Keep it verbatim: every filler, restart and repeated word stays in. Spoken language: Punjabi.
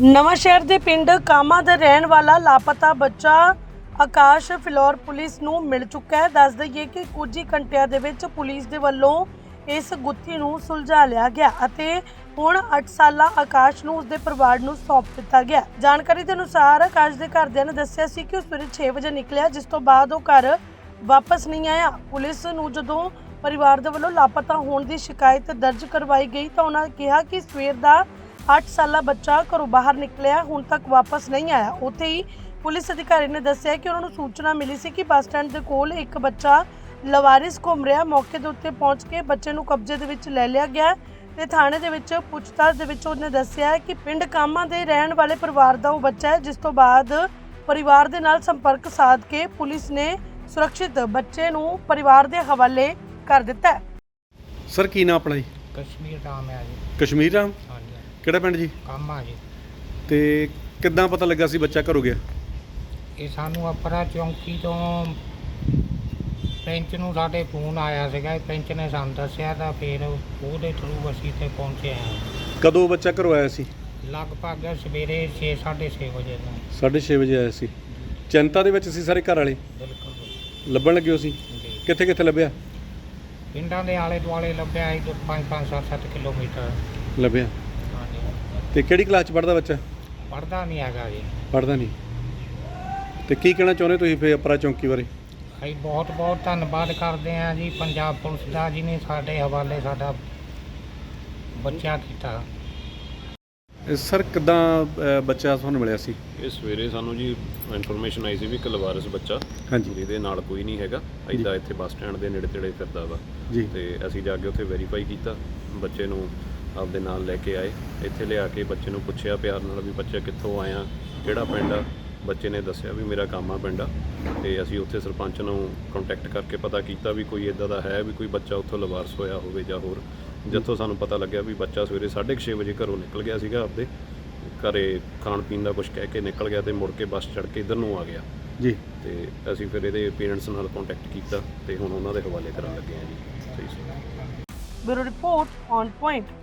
ਨਵਾਂਸ਼ਹਿਰ ਦੇ ਪਿੰਡ ਕਾਮਾ ਦਾ ਰਹਿਣ ਵਾਲਾ ਲਾਪਤਾ ਬੱਚਾ ਆਕਾਸ਼ ਫਿਲੌਰ ਪੁਲਿਸ ਨੂੰ ਮਿਲ ਚੁੱਕਾ ਹੈ। ਦੱਸ ਦਈਏ ਕਿ ਕੁਝ ਹੀ ਘੰਟਿਆਂ ਦੇ ਵਿੱਚ ਪੁਲਿਸ ਦੇ ਵੱਲੋਂ ਇਸ ਗੁੱਥੀ ਨੂੰ ਸੁਲਝਾ ਲਿਆ ਗਿਆ ਅਤੇ ਹੁਣ ਅੱਠ ਸਾਲਾ ਆਕਾਸ਼ ਨੂੰ ਉਸਦੇ ਪਰਿਵਾਰ ਨੂੰ ਸੌਂਪ ਦਿੱਤਾ ਗਿਆ। ਜਾਣਕਾਰੀ ਦੇ ਅਨੁਸਾਰ ਆਕਾਸ਼ ਦੇ ਘਰਦਿਆਂ ਨੇ ਦੱਸਿਆ ਸੀ ਕਿ ਉਹ ਸਵੇਰੇ ਛੇ ਵਜੇ ਨਿਕਲਿਆ, ਜਿਸ ਤੋਂ ਬਾਅਦ ਉਹ ਘਰ ਵਾਪਸ ਨਹੀਂ ਆਇਆ। ਪੁਲਿਸ ਨੂੰ ਜਦੋਂ ਪਰਿਵਾਰ ਦੇ ਵੱਲੋਂ ਲਾਪਤਾ ਹੋਣ ਦੀ ਸ਼ਿਕਾਇਤ ਦਰਜ ਕਰਵਾਈ ਗਈ ਤਾਂ ਉਹਨਾਂ ਨੇ ਕਿਹਾ ਕਿ ਸਵੇਰ ਦਾ ਅੱਠ ਸਾਲਾ ਬੱਚਾ ਘਰੋਂ ਬਾਹਰ ਨਿਕਲਿਆ, ਹੁਣ ਤੱਕ ਵਾਪਸ ਨਹੀਂ ਆਇਆ। ਉੱਥੇ ਹੀ ਪੁਲਿਸ ਅਧਿਕਾਰੀ ਨੇ ਦੱਸਿਆ ਕਿ ਉਹਨਾਂ ਨੂੰ ਸੂਚਨਾ ਮਿਲੀ ਸੀ ਕਿ ਬੱਸ ਸਟੈਂਡ ਦੇ ਕੋਲ ਇੱਕ ਬੱਚਾ ਲਵਾਰਿਸ ਘੁੰਮ ਰਿਹਾ। ਮੌਕੇ ਦੇ ਉੱਤੇ ਪਹੁੰਚ ਕੇ ਬੱਚੇ ਨੂੰ ਕਬਜ਼ੇ ਦੇ ਵਿੱਚ ਲੈ ਲਿਆ ਗਿਆ ਤੇ ਥਾਣੇ ਦੇ ਵਿੱਚ ਪੁੱਛਤਾਛ ਦੇ ਵਿੱਚ ਉਹਨੇ ਦੱਸਿਆ ਕਿ ਪਿੰਡ ਕਾਮਾ ਦੇ ਰਹਿਣ ਵਾਲੇ ਪਰਿਵਾਰ ਦਾ ਉਹ ਬੱਚਾ ਹੈ, ਜਿਸ ਤੋਂ ਬਾਅਦ ਪਰਿਵਾਰ ਦੇ ਨਾਲ ਸੰਪਰਕ ਸਾਧ ਕੇ ਪੁਲਿਸ ਨੇ ਸੁਰੱਖਿਅਤ ਬੱਚੇ ਨੂੰ ਪਰਿਵਾਰ ਦੇ ਹਵਾਲੇ ਕਰ ਦਿੱਤਾ ਹੈ। ਸਰ ਕੀ ਨਾਮ ਆਪਣਾ ਜੀ? ਕਸ਼ਮੀਰ ਰਾਮ ਹੈ ਜੀ। ਕਸ਼ਮੀਰ ਰਾਮ, ਹਾਂਜੀ ਕਿਹੜਾ ਪਿੰਡ ਜੀ? ਕਾਮਾ ਜੀ। ਤੇ ਕਿੱਦਾਂ ਪਤਾ ਲੱਗਾ ਸੀ ਬੱਚਾ ਘਰੋਂ ਗਿਆ? ਇਹ ਸਾਨੂੰ ਅਪਰਾ ਚੌਂਕੀ ਤੋਂ ਪੈਂਚ ਨੂੰ ਸਾਡੇ ਫੋਨ ਆਇਆ ਸੀਗਾ, ਪੈਂਚ ਨੇ ਸਾਨੂੰ ਦੱਸਿਆ ਤਾਂ ਫਿਰ ਉਹਦੇ ਥਰੂ ਅਸੀਂ ਤੇ ਪਹੁੰਚੇ ਹਾਂ। ਕਦੋਂ ਬੱਚਾ ਘਰੋਂ ਆਇਆ ਸੀ? ਲਗਭਗ ਸਵੇਰੇ ਛੇ ਸਾਢੇ ਛੇ ਵਜੇ ਨੂੰ। ਸਾਢੇ ਛੇ ਵਜੇ ਆਇਆ ਸੀ। ਚਿੰਤਾ ਦੇ ਵਿੱਚ ਸੀ ਸਾਰੇ ਘਰ ਵਾਲੇ? ਬਿਲਕੁਲ ਲੱਭਣ ਲੱਗੇ ਹੋ ਸੀ? ਜੀ। ਕਿੱਥੇ ਕਿੱਥੇ ਲੱਭਿਆ? ਪਿੰਡਾਂ ਦੇ ਆਲੇ ਦੁਆਲੇ ਲੱਭਿਆ ਸੀ ਪੰਜ ਪੰਜ ਸੱਤ ਸੱਤ ਕਿਲੋਮੀਟਰ। ਲੱਭਿਆ। ਹਾਂਜੀ। ਤੇ ਕਿਹੜੀ ਕਲਾਸ 'ਚ ਪੜ੍ਹਦਾ ਬੱਚਾ? ਪੜ੍ਹਦਾ ਨਹੀਂ ਹੈਗਾ ਜੀ। ਪੜ੍ਹਦਾ ਨਹੀਂ। ਤੇ ਕੀ ਕਹਿਣਾ ਚਾਹੁੰਦੇ ਤੁਸੀਂ ਫਿਰ ਅਪਰਾ ਚੌਂਕੀ ਬਾਰੇ? ਅਸੀਂ ਬਹੁਤ ਬਹੁਤ ਧੰਨਵਾਦ ਕਰਦੇ ਹਾਂ ਜੀ ਪੰਜਾਬ ਪੁਲਿਸ ਦਾ, ਜਿਹਨੇ ਸਾਡੇ ਹਵਾਲੇ ਸਾਡਾ ਬੱਚਾ ਕੀਤਾ। ਇਹ ਸਰ ਕਿੱਦਾਂ ਅ, ਬੱਚਾ ਤੁਹਾਨੂੰ ਮਿਲਿਆ ਸੀ? ਇਹ ਸਵੇਰੇ ਸਾਨੂੰ ਜੀ ਇਨਫੋਰਮੇਸ਼ਨ ਆਈ ਸੀ ਵੀ ਇੱਕ ਲਵਾਰਸ ਬੱਚਾ ਹਾਂਜੀ ਜਿਹਦੇ ਨਾਲ ਕੋਈ ਨਹੀਂ ਹੈਗਾ, ਇੱਦਾਂ ਇੱਥੇ ਬੱਸ ਸਟੈਂਡ ਦੇ ਨੇੜੇ ਤੇੜੇ ਫਿਰਦਾ ਵਾ। ਜੀ। ਤੇ ਅਸੀਂ ਜਾ ਕੇ ਉੱਥੇ ਵੈਰੀਫਾਈ ਕੀਤਾ, ਬੱਚੇ ਨੂੰ ਆਪਦੇ ਨਾਲ ਲੈ ਕੇ ਆਏ। ਇੱਥੇ ਲਿਆ ਕੇ ਬੱਚੇ ਨੂੰ ਪੁੱਛਿਆ ਪਿਆਰ ਨਾਲ ਵੀ ਬੱਚਾ ਕਿੱਥੋਂ ਆਇਆ, ਕਿਹੜਾ ਪਿੰਡ ਆ। ਬੱਚੇ ਨੇ ਦੱਸਿਆ ਵੀ ਮੇਰਾ ਕਾਮਾ ਪਿੰਡ ਆ। ਤੇ ਅਸੀਂ ਉੱਥੇ ਸਰਪੰਚ ਨੂੰ ਕੰਟੈਕਟ ਕਰਕੇ ਪਤਾ ਕੀਤਾ ਵੀ ਕੋਈ ਇੱਦਾਂ ਦਾ ਹੈ ਵੀ ਕੋਈ ਬੱਚਾ ਉੱਥੋਂ ਲਵਾਰਸ ਹੋਇਆ ਹੋਵੇ ਜਾਂ ਹੋਰ। ਜਿੱਥੋਂ ਸਾਨੂੰ ਪਤਾ ਲੱਗਿਆ ਵੀ ਬੱਚਾ ਸਵੇਰੇ ਸਾਢੇ ਕੁ ਛੇ ਵਜੇ ਘਰੋਂ ਨਿਕਲ ਗਿਆ ਸੀਗਾ, ਆਪਦੇ ਘਰੇ ਖਾਣ ਪੀਣ ਦਾ ਕੁਝ ਕਹਿ ਕੇ ਨਿਕਲ ਗਿਆ ਤੇ ਮੁੜ ਕੇ ਬੱਸ ਚੜ੍ਹ ਕੇ ਇੱਧਰ ਨੂੰ ਆ ਗਿਆ ਜੀ। ਤੇ ਅਸੀਂ ਫਿਰ ਇਹਦੇ ਪੇਰੈਂਟਸ ਨਾਲ ਕੰਟੈਕਟ ਕੀਤਾ ਤੇ ਹੁਣ ਉਹਨਾਂ ਦੇ ਹਵਾਲੇ ਕਰਨ ਲੱਗੇ ਹਾਂ ਜੀ। ਸਹੀ ਸੀ। Bureau report on point.